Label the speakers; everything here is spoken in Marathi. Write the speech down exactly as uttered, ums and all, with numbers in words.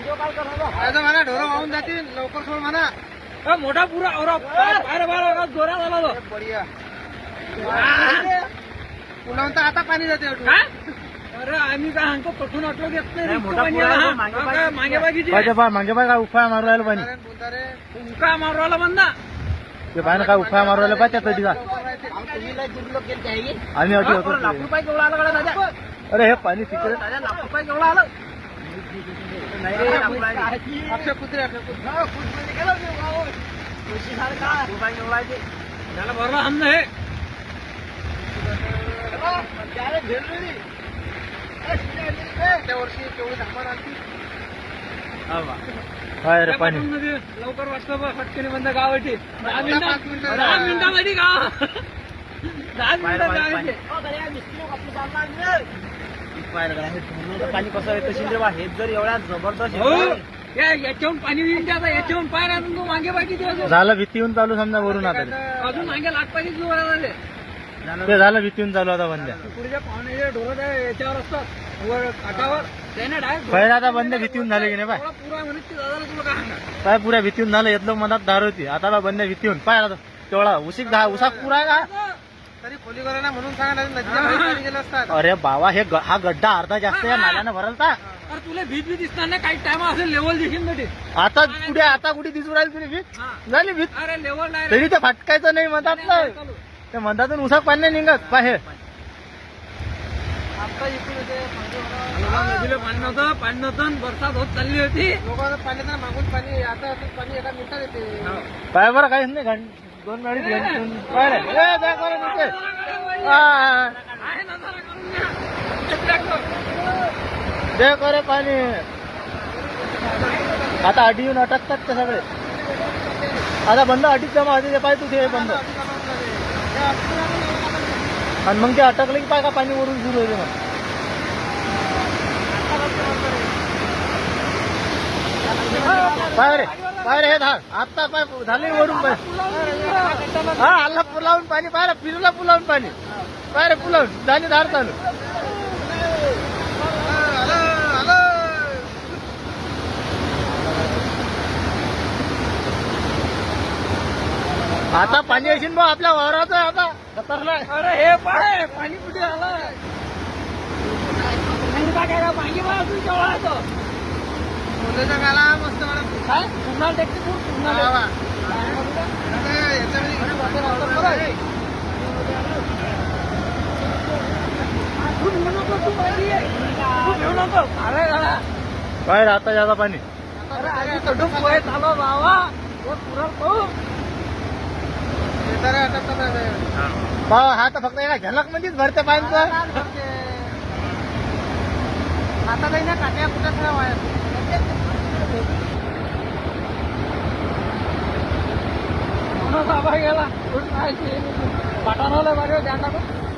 Speaker 1: म्हणा ढोरं वाहून जातील लवकर सोड म्हणा.
Speaker 2: मोठा पुरा बाहेर बाहेर जोरा झाला तो.
Speaker 1: बढिया पुलावून तर आता पाणी जाते.
Speaker 2: अरे आम्ही काय सांगतो पठून अटलो घेत नाही. मागे बागीची
Speaker 3: मागे बाय काय उफाया मारू राहिलं पाणी.
Speaker 2: उका मारू राहिला बंदा
Speaker 3: ते पाहिजे काय उफाया मारू राहिलं पाहिजे त्या तिला आम्ही अटी होतो.
Speaker 2: लाख रुपये केवढा आला कडे दादा.
Speaker 3: अरे हे पाणी तिकडे
Speaker 2: दादा लाख रुपये केवढा आलं.
Speaker 1: अक्षय कुत्रे अक्षय कुत्रे
Speaker 2: त्याला भरला हम हे
Speaker 1: त्या वर्षी तेवढी धामान आणखी
Speaker 3: काय रे पाणी
Speaker 2: लवकर वाटतं बा फटकेने बंद गावाची. दहा मिनिटं दहा मिनिटामध्ये गाव दहा मिनिटात गावाचे.
Speaker 3: पाणी कसं येतं शिंद्रे हे जर एवढ्या जबरदस्त
Speaker 2: याच्याहून पाणी येईल आता याच्याहून पाय राहून तू मागे बाकी
Speaker 3: झालं भीतीहून चालू समजा वरून आता
Speaker 2: अजून मागे लाख पाणी सुरू झाले.
Speaker 3: ते झालं भीतीहून चालू आता बंद्या
Speaker 2: पुढच्या पाहुणे ढोरं याच्यावर असतात वर काठावर त्याने डायरेक्ट
Speaker 3: पहिला आता बंद भीतीहून झाले की नाही पाय
Speaker 2: पुरा म्हणत की दादा तुला काय सांगा.
Speaker 3: पाय पुऱ्या भीतीहून झालं येतलं मनात दार होती आता बंद भीतीहून पाय आता तेवढा उशीक दहा उसाक पुरा का
Speaker 1: तरी खोली करायला म्हणून सांगा नदीच्या बाहेर पाणी गेलं असतात.
Speaker 3: अरे बाबा हे ग- हा गड्डा अर्धा जास्त या नाल्यानं भरलता.
Speaker 2: अरे तुला भीत भीत दिसणार नाही काही टाइम असेल लेवल दिसेल ना ते.
Speaker 3: आता कुठे आता कुठे दिसू राहील तुला भीत
Speaker 2: हा.
Speaker 3: झाली भीत
Speaker 2: अरे लेवल डायरेक्ट
Speaker 3: तरी ते फटकायचं नाही म्हणतात ना ते म्हणतातून उसाक पाणी नाही निघत पाहे
Speaker 1: आता इकडून येते
Speaker 2: नदीला पाणी नव्हतं पाणी नव्हतं बरसात होत चालली होती.
Speaker 1: लोकांना पाणी तर मागून पाणी आता असं पाणी एका मिनिटात येते.
Speaker 3: पाय बरं काहीच नाही घंट दोन गाडी पाय रे ए, जा करा तिथे. आ,
Speaker 2: आहे ना जरा करून घ्या.
Speaker 3: दे करे पाणी आता अटी येऊन अटकतात ते सगळे आता बंद अटीत जमा होते ते पाय तू ते बंद आणि मग ते अटकलं की पाय का पाणी वरून सुरू होते मग पाय रे पाय रे हे धार आता पाय झाले वरून पाय हा आला पुलावून पाणी पाय रे फिरला पुलावून पाणी पाय रे पुलावून झाली धार चालू आता पाणी असेल मग आपल्या वावराचं आता खतरनाक.
Speaker 2: अरे हे पाय पाणी कुठे आलं काय मागे बा तू केवढा येतो
Speaker 1: खोलीचा गाला मस्त मला
Speaker 2: काय पुन्हा टेक्निक पुन्हा
Speaker 1: वा वा. आता याच्यामध्ये
Speaker 2: तू घेऊ नको तू पाहिजे तू घेऊ नको अरे गाडा
Speaker 3: बाहेर आता जाता पाणी
Speaker 2: अरे आधी कडून पोहे चालव बाबा तो पुरा तो
Speaker 1: शेजारी अटकतात आहे.
Speaker 3: बा हा तर फक्त एका झलक मध्येच भरते पाण्याचं
Speaker 1: आता काही ना काट्या कुठे खराब आहे.
Speaker 2: बाबा गेला पाठाणवलं बरं ध्यान टाकून